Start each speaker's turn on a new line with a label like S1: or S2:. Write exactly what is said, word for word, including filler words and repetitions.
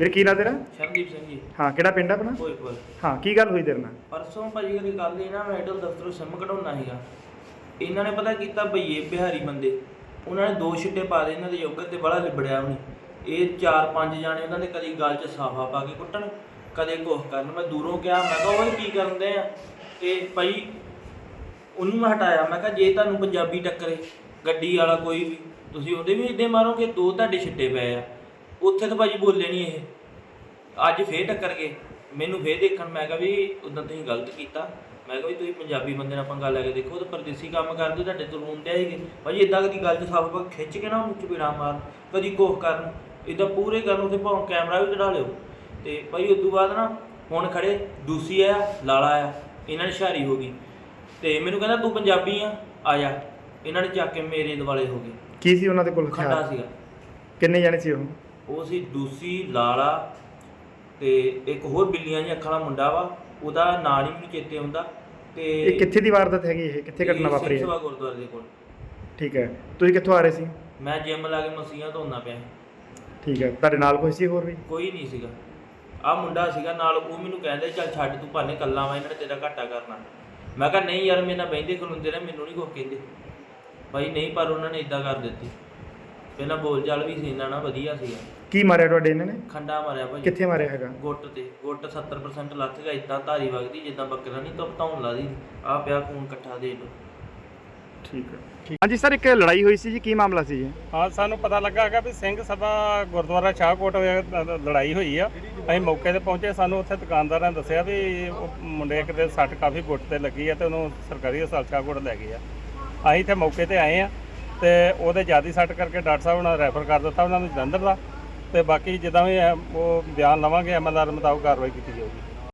S1: ਵੀਰ ਕੀ ਨਾਂ ਤੇਰਾ?
S2: ਸ਼ਰਨਦੀਪ ਸਿੰਘ ਜੀ।
S1: ਹਾਂ, ਕਿਹੜਾ ਪਿੰਡ ਆਪਣਾ?
S2: ਭੋਜਪੁਰ।
S1: ਹਾਂ, ਕੀ ਗੱਲ ਹੋਈ ਤੇਰੇ ਨਾਲ?
S2: ਪਰਸੋਂ ਭਾਜੀ ਕਦੀ ਗੱਲ ਇਹ ਨਾ, ਮੈਂ ਏਅਰਟੈਲ ਦਫ਼ਤਰੋਂ ਸਿਮ ਕਢਾਉਣਾ ਸੀਗਾ। ਇਹਨਾਂ ਨੇ ਪਤਾ ਕੀਤਾ, ਭਈਏ ਬਿਹਾਰੀ ਬੰਦੇ, ਉਹਨਾਂ ਨੇ ਦੋ ਛਿੱਟੇ ਪਾ ਦੇ ਇਹਨਾਂ ਦੇ ਯੋਗਰ ਤੇ ਬੜਾ ਲਿਬੜਿਆ ਵੀ ਨਹੀਂ। ਇਹ ਚਾਰ ਪੰਜ ਜਾਣੇ ਉਹਨਾਂ ਦੇ ਕਦੀ ਗਲ 'ਚ ਸਾਫਾ ਪਾ ਕੇ ਕੁੱਟਣ, ਕਦੇ ਕੁਛ ਕਰਨ। ਮੈਂ ਦੂਰੋਂ ਕਿਹਾ, ਮੈਂ ਕਿਹਾ ਉਹ ਕੀ ਕਰਦੇ ਆ? ਤੇ ਭਾਈ ਉਹਨੂੰ ਮੈਂ ਹਟਾਇਆ। ਮੈਂ ਕਿਹਾ ਜੇ ਤੁਹਾਨੂੰ ਪੰਜਾਬੀ ਟੱਕਰੇ ਗੱਡੀ ਵਾਲਾ ਕੋਈ ਵੀ, ਤੁਸੀਂ ਉਹਦੇ ਵੀ ਇੱਦਾਂ ਮਾਰੋਗੇ। ਦੋ ਤੁਹਾਡੇ ਛਿੱਟੇ ਪਏ ਆ ਉੱਥੇ ਤਾਂ ਭਾਜੀ ਬੋਲੇ ਨਹੀਂ ਇਹ। ਅੱਜ ਫੇਰ ਟੱਕਰ ਗਏ ਮੈਨੂੰ, ਫੇਰ ਦੇਖਣ। ਮੈਂ ਕਿਹਾ ਵੀ ਉੱਦਾਂ ਤੁਸੀਂ ਗਲਤ ਕੀਤਾ। ਮੈਂ ਕਿਹਾ ਵੀ ਤੁਸੀਂ ਪੰਜਾਬੀ ਬੰਦੇ ਨਾਲ ਪੰਗਾ ਲੈ ਕੇ ਦੇਖੋ, ਤਾਂ ਪਰਦੇਸੀ ਕੰਮ ਕਰਦੇ, ਤੁਹਾਡੇ ਤੋਂ ਰੋਂਦੇ ਆਏਗੇ ਭਾਜੀ। ਇੱਦਾਂ ਕਦੀ ਗੱਲ 'ਚ ਸਭ ਕੁਝ ਖਿੱਚ ਕੇ ਨਾ ਉਹਨੂੰ ਚਪੇੜਾ ਮਾਰ, ਕਦੀ ਕੁਛ ਕਰਨ, ਇੱਦਾਂ ਪੂਰੇ ਕਰਨ। ਉੱਥੇ ਭਾਵੇਂ ਕੈਮਰਾ ਵੀ ਚੜਾ ਲਿਓ। ਅਤੇ ਭਾਈ ਉਸ ਤੋਂ ਬਾਅਦ ਨਾ ਹੁਣ ਖੜ੍ਹੇ ਦੂਸੀ ਆ, ਲਾਲਾ ਆ, ਇਹਨਾਂ ਨੇ ਹੁਸ਼ਿਆਰੀ ਹੋ ਗਈ। ਅਤੇ ਮੈਨੂੰ ਕਹਿੰਦਾ ਤੂੰ ਪੰਜਾਬੀ ਆ, ਆ ਜਾ। ਇਹਨਾਂ ਨੇ ਚੱਕ ਕੇ ਮੇਰੇ ਦੁਆਲੇ ਹੋ ਗਏ।
S1: ਕੀ ਸੀ ਉਹਨਾਂ ਦੇ ਕੋਲ?
S2: ਖੰਡਾ ਸੀਗਾ।
S1: ਕਿੰਨੇ ਜਾਣੇ ਸੀ ਉਹ?
S2: ਉਹ ਸੀ ਦੂਸੀ, ਲਾਲਾ ਤੇ ਇੱਕ ਹੋਰ ਬਿੱਲੀਆਂ ਜਿਹੀਆਂ ਅੱਖਾਂ ਵਾਲਾ ਮੁੰਡਾ ਵਾ, ਉਹਦਾ ਨਾਂ ਨਹੀਂ ਮੈਨੂੰ ਚੇਤੇ ਆਉਂਦਾ। ਤੇ
S1: ਇਹ ਕਿੱਥੇ ਦੀ ਵਾਰਦਾਤ ਹੈਗੀ? ਇਹ ਕਿੱਥੇ ਘਟਨਾ ਵਾਪਰੀ ਹੈ?
S2: ਸਿੰਘ ਸਭਾ ਗੁਰਦੁਆਰੇ ਦੇ ਕੋਲ।
S1: ਠੀਕ ਹੈ, ਤੁਸੀਂ ਕਿੱਥੋਂ ਆ ਰਹੇ ਸੀ?
S2: ਮੈਂ ਜਿੰਮ ਲਾ ਕੇ ਮਸੀਹਾਂ ਧੋਂਦਾ ਪਿਆ।
S1: ਠੀਕ ਹੈ, ਤੁਹਾਡੇ ਨਾਲ ਕੋਈ ਸੀ ਹੋਰ ਵੀ?
S2: ਕੋਈ ਨਹੀਂ ਸੀਗਾ, ਆਹ ਮੁੰਡਾ ਸੀਗਾ ਨਾਲ। ਉਹ ਮੈਨੂੰ ਕਹਿੰਦੇ ਚੱਲ ਛੱਡ ਤੂੰ ਭਾਨੇ ਕੱਲਾ ਵਾ, ਇਹਨਾਂ ਨੇ ਤੇਰਾ ਘਾਟਾ ਕਰਨਾ। ਮੈਂ ਕਿਹਾ ਨਹੀਂ ਯਾਰ, ਮੇਰੇ ਨਾਲ ਬਹਿੰਦੇ ਖਲੋਂਦੇ ਨੇ, ਮੈਨੂੰ ਨਹੀਂ ਕੁਛ ਕਹਿੰਦੇ ਭਾਈ। ਨਹੀਂ, ਪਰ ਉਹਨਾਂ ਨੇ ਇੱਦਾਂ ਕਰ ਦਿੱਤੀ। ਪਹਿਲਾਂ ਬੋਲ ਚਾਲ ਵੀ ਸੀ ਇਹਨਾਂ ਨਾਲ ਵਧੀਆ ਸੀਗਾ।
S1: ਕੀ ਮਾਰਿਆ ਤੁਹਾਡੇ ਇਹਨਾਂ ਨੇ?
S2: ਖੰਡਾ ਮਾਰਿਆ ਭਾਜੀ।
S1: ਕਿੱਥੇ ਮਾਰਿਆ ਹੈਗਾ?
S2: ਗੁੱਟ ਤੇ। ਗੁੱਟ ਸੱਤਰ ਪਰਸੈਂਟ ਲੱਥ ਗਿਆ। ਇੱਦਾਂ ਧਾਰੀ ਵਗਦੀ ਜਿੱਦਾਂ ਬੱਕਰਾ ਨਹੀਂ ਤਾਂ ਧੌਣ ਲਾ ਦੀ। ਆਹ ਪਿਆ ਖੂਨ ਇਕੱਠਾ ਦੇ ਲਓ।
S1: ਠੀਕ ਹੈ, ਠੀਕ। ਹਾਂਜੀ ਸਰ, ਇੱਕ ਲੜਾਈ ਹੋਈ ਸੀ ਜੀ, ਕੀ ਮਾਮਲਾ ਸੀ ਜੀ?
S3: ਹਾਂ, ਸਾਨੂੰ ਪਤਾ ਲੱਗਾ ਹੈਗਾ ਵੀ ਸਿੰਘ ਸਭਾ ਗੁਰਦੁਆਰਾ ਸ਼ਾਹਕੋਟ ਲੜਾਈ ਹੋਈ ਆ। ਅਸੀਂ ਮੌਕੇ ਤੇ ਪਹੁੰਚੇ। ਸਾਨੂੰ ਉੱਥੇ ਦੁਕਾਨਦਾਰਾਂ ਨੇ ਦੱਸਿਆ ਵੀ ਉਹ ਮੁੰਡੇ ਇੱਕ ਦੇ ਸੱਟ ਕਾਫੀ ਗੁੱਟ ਤੇ ਲੱਗੀ ਆ ਤੇ ਉਹਨੂੰ ਸਰਕਾਰੀ ਹਸਪਤਾਲ ਸ਼ਾਹਕੋਟ ਲੈ ਗਏ ਆ। ਅਸੀਂ ਇੱਥੇ ਮੌਕੇ ਤੇ ਆਏ ਆ ਤੇ ਉਹਦੇ ਜ਼ਿਆਦਾ ਸੱਟ ਕਰਕੇ ਡਾਕਟਰ ਸਾਹਿਬ ਨੇ ਰੈਫਰ ਕਰ ਦਿੱਤਾ ਉਹਨਾਂ ਨੂੰ ਜਲੰਧਰ ਦਾ। ਤੇ ਬਾਕੀ ਜਿੱਦਾਂ ਵੀ ਉਹ ਬਿਆਨ ਲਵਾਂਗੇ ਐਮ ਐਲ ਆਰ ਮੁਤਾਬਕ ਕਾਰਵਾਈ ਕੀਤੀ ਜਾਊਗੀ।